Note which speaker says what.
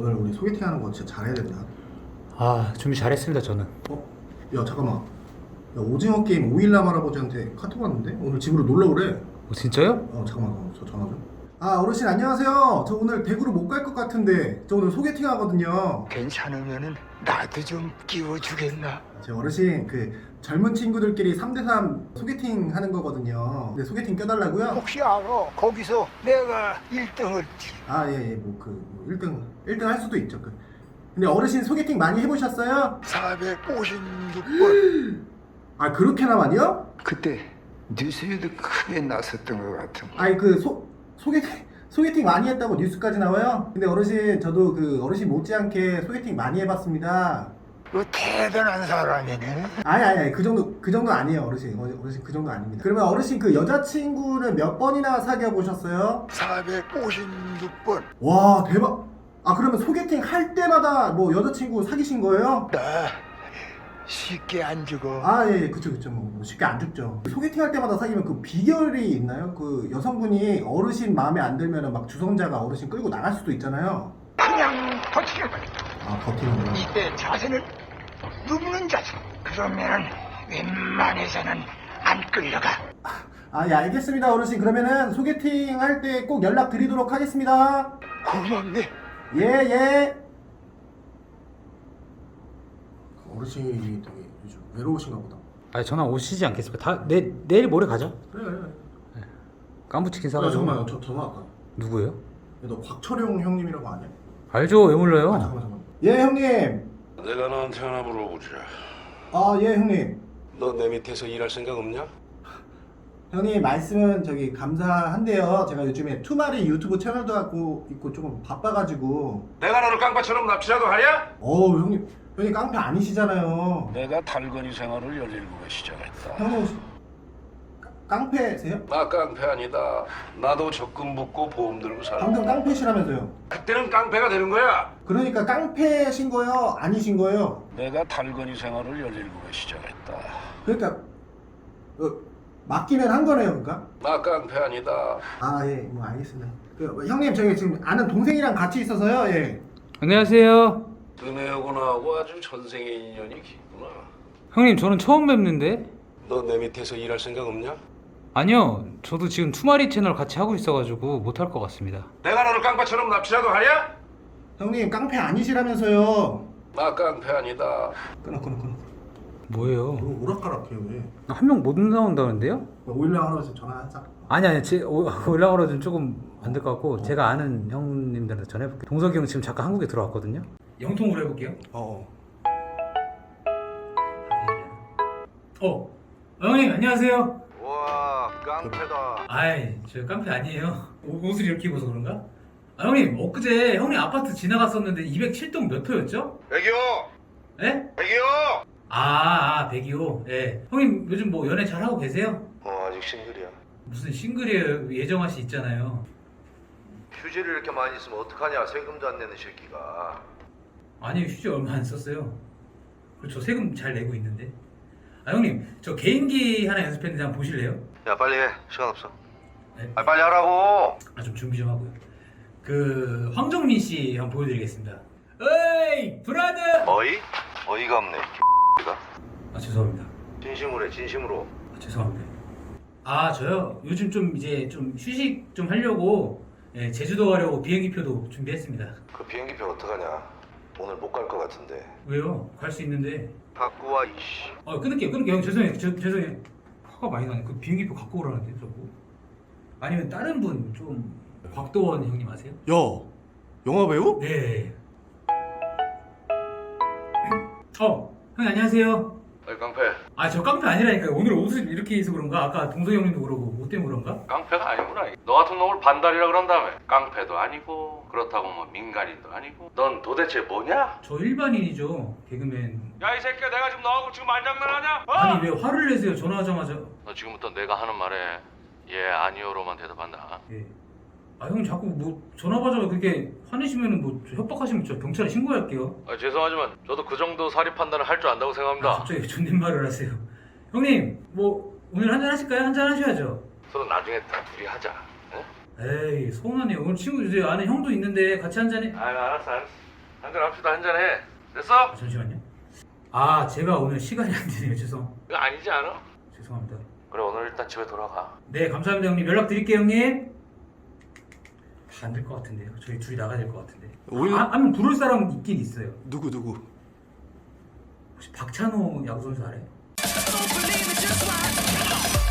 Speaker 1: 오늘 우리 소개팅 하는 거 진짜 잘해야 된다.
Speaker 2: 아, 준비 잘했습니다 저는.
Speaker 1: 야 잠깐만. 야 오징어 게임 오일남 할아버지한테 카톡 왔는데 오늘 집으로 놀러 오래.
Speaker 2: 진짜요?
Speaker 1: 잠깐만 저 전화 좀. 어르신 안녕하세요. 저 오늘 대구로 못 갈 것 같은데 저 오늘 소개팅 하거든요.
Speaker 3: 괜찮으면은 나도 좀 끼워주겠나?
Speaker 1: 제 어르신 그 젊은 친구들끼리 3대3 소개팅 하는 거거든요. 근데 소개팅 껴달라고요?
Speaker 3: 혹시 알아? 거기서 내가 1등을
Speaker 1: 예, 1등 할 수도 있죠. 근데 어르신 소개팅 많이 해보셨어요?
Speaker 3: 456번.
Speaker 1: 그렇게나 많이요?
Speaker 3: 그때 뉴스에도 크게 났었던 것 같은.
Speaker 1: 소개팅 많이 했다고 뉴스까지 나와요? 근데 어르신 저도 그 어르신 못지않게 소개팅 많이 해봤습니다.
Speaker 3: 그 대단한 사람이네.
Speaker 1: 아니 그 정도 아니에요 어르신. 어르신 그 정도 아닙니다. 그러면 어르신 그 여자친구는 몇 번이나 사귀어 보셨어요?
Speaker 3: 456번.
Speaker 1: 와 대박. 그러면 소개팅 할 때마다 뭐 여자친구 사귀신 거예요?
Speaker 3: 나 쉽게 안 죽어.
Speaker 1: 예, 그쵸. 뭐 쉽게 안 죽죠. 소개팅 할 때마다 사귀면 그 비결이 있나요? 그 여성분이 어르신 마음에 안 들면은 막 주선자가 어르신 끌고 나갈 수도 있잖아요.
Speaker 3: 그냥 버티는 거야.
Speaker 1: 버티는 거요?
Speaker 3: 이때 자세는 눕는 자세. 그러면은 웬만해서는 안 끌려가.
Speaker 1: 예, 알겠습니다 어르신. 그러면은 소개팅 할 때 꼭 연락 드리도록 하겠습니다.
Speaker 3: 고맙네.
Speaker 1: 예. 어르신이 되게 요즘 외로우신가 보다.
Speaker 2: 전화 오시지 않겠습니까? 내일 모레 가자.
Speaker 1: 그래.
Speaker 2: 깐부치킨 사가지고.
Speaker 1: 잠깐만 저 전화 왔다.
Speaker 2: 누구예요?
Speaker 1: 너 곽철용 형님이라고 아냐?
Speaker 2: 알죠. 왜 몰라요?
Speaker 1: 잠깐만. 예 형님.
Speaker 4: 내가 너한테 하나 물어보자.
Speaker 1: 예 형님.
Speaker 4: 너 내 밑에서 일할 생각 없냐?
Speaker 1: 형님 말씀은 저기 감사한데요. 제가 요즘에 투마리 유튜브 채널도 하고 있고 조금 바빠가지고.
Speaker 4: 내가 너를 깡패처럼 납치라도 하냐?
Speaker 1: 형님 깡패 아니시잖아요.
Speaker 4: 내가 달건이 생활을 17에 시작했다.
Speaker 1: 형님 혹시 깡패세요?
Speaker 4: 나 깡패 아니다. 나도 적금 붓고 보험 들고 살아.
Speaker 1: 방금 깡패시라면서요.
Speaker 4: 그때는 깡패가 되는 거야.
Speaker 1: 그러니까 깡패신 거예요? 아니신 거예요?
Speaker 4: 내가 달건이 생활을 17에 시작했다.
Speaker 1: 그러니까 맡기면 한 거네요, 그러니까?
Speaker 4: 나 깡패 아니다.
Speaker 1: 예, 뭐 알겠습니다. 형님 저희 지금 아는 동생이랑 같이 있어서요. 예.
Speaker 2: 안녕하세요.
Speaker 4: 은혜하고 나하고 아주 전생의 인연이 깊구나.
Speaker 2: 형님 저는 처음 뵙는데.
Speaker 4: 너 내 밑에서 일할 생각 없냐?
Speaker 2: 아니요. 저도 지금 투마리 채널 같이 하고 있어가지고 못할 것 같습니다.
Speaker 4: 내가 너를 깡패처럼 납치라도 하냐?
Speaker 1: 형님 깡패 아니시라면서요.
Speaker 4: 나 깡패 아니다.
Speaker 1: 끊어.
Speaker 2: 뭐예요?
Speaker 1: 오락가락해요 왜?
Speaker 2: 한 명 못 나온다는데요?
Speaker 1: 오일랑 할아버지 전화하자.
Speaker 2: 아니 올라오라도 조금 안 될 것 같고 제가 아는 형님들한테 전해볼게요. 동석이 형 지금 잠깐 한국에 들어왔거든요. 영통으로 해볼게요. 형님 안녕하세요.
Speaker 5: 와 깡패다.
Speaker 2: 저 깡패 아니에요. 옷을 이렇게 입어서 그런가? 형님 엊그제 형님 아파트 지나갔었는데 207동 몇 호였죠?
Speaker 5: 100이요.
Speaker 2: 예?
Speaker 5: 100이요.
Speaker 2: 102호. 예. 형님 요즘 뭐 연애 잘하고 계세요?
Speaker 5: 아직 싱글이야.
Speaker 2: 무슨 싱글이에요. 예정아 씨 있잖아요.
Speaker 5: 휴지를 이렇게 많이 쓰면 어떡하냐. 세금도 안 내는 새끼가.
Speaker 2: 아니 휴지 얼마 안 썼어요. 그렇죠. 세금 잘 내고 있는데. 형님 저 개인기 하나 연습했는데 한번 보실래요?
Speaker 5: 야 빨리 해. 시간 없어.
Speaker 2: 네.
Speaker 5: 빨리 하라고.
Speaker 2: 좀 준비 좀 하고요. 황정민 씨 한번 보여드리겠습니다. 어이 브라더.
Speaker 5: 어이가 없네. 가
Speaker 2: 죄송합니다.
Speaker 5: 진심으로 해. 진심으로.
Speaker 2: 죄송합니다. 저요 요즘 좀 이제 좀 휴식 좀 하려고 제주도 가려고 비행기표도 준비했습니다.
Speaker 5: 그 비행기표 어떡하냐. 오늘 못 갈 것 같은데.
Speaker 2: 왜요? 갈 수 있는데.
Speaker 5: 갖고 와 이씨.
Speaker 2: 끊을게요. 형 죄송해요. 죄송해요. 화가 많이 나네. 그 비행기표 갖고 오라는데 저거. 아니면 다른 분 좀 곽도원 형님 아세요?
Speaker 1: 야, 영화 배우?
Speaker 2: 네. 형님 안녕하세요.
Speaker 4: 어이 깡패.
Speaker 2: 저 깡패 아니라니까요. 오늘 옷을 이렇게 해서 그런가? 아까 동석이 형님도 그러고 옷 때문에 그런가?
Speaker 4: 깡패가 아니구나. 너 같은 놈을 반달이라 그런 다음에 깡패도 아니고 그렇다고 뭐 민간인도 아니고 넌 도대체 뭐냐?
Speaker 2: 저 일반인이죠. 개그맨.
Speaker 4: 야 이 새끼야 내가 지금 너하고 지금 말장난하냐?
Speaker 2: 아니 왜 화를 내세요? 전화하자마자.
Speaker 4: 너 지금부터 내가 하는 말에 예 아니요로만 대답한다.
Speaker 2: 예. 형님 자꾸 뭐 전화 받아서 그렇게 화내시면은 뭐 협박하시면 저 경찰에 신고할게요.
Speaker 4: 죄송하지만 저도 그 정도 사리 판단을 할 줄 안다고 생각합니다.
Speaker 2: 갑자기 존댓말을 하세요. 형님 뭐 오늘 한잔 하실까요? 한잔 하셔야죠.
Speaker 4: 서로 나중에 다 둘이 하자. 응?
Speaker 2: 에이 서운하네요. 오늘 친구 이제 아는 형도 있는데 같이 한잔해.
Speaker 4: 알았어. 한잔 합시다. 한잔 해. 됐어?
Speaker 2: 아, 잠시만요. 아 제가 오늘 시간이 안 되네요.
Speaker 4: 이거 아니지 않아?
Speaker 2: 죄송합니다.
Speaker 4: 그래 오늘 일단 집에 돌아가.
Speaker 2: 네 감사합니다 형님. 연락 드릴게요 형님. 안 될 것 같은데요. 저희 둘이 나가야 될 것 같은데.
Speaker 6: 오히려-
Speaker 2: 한명 부를 사람 있긴 있어요.
Speaker 6: 누구?
Speaker 2: 혹시 박찬호 야구 선수 알아요?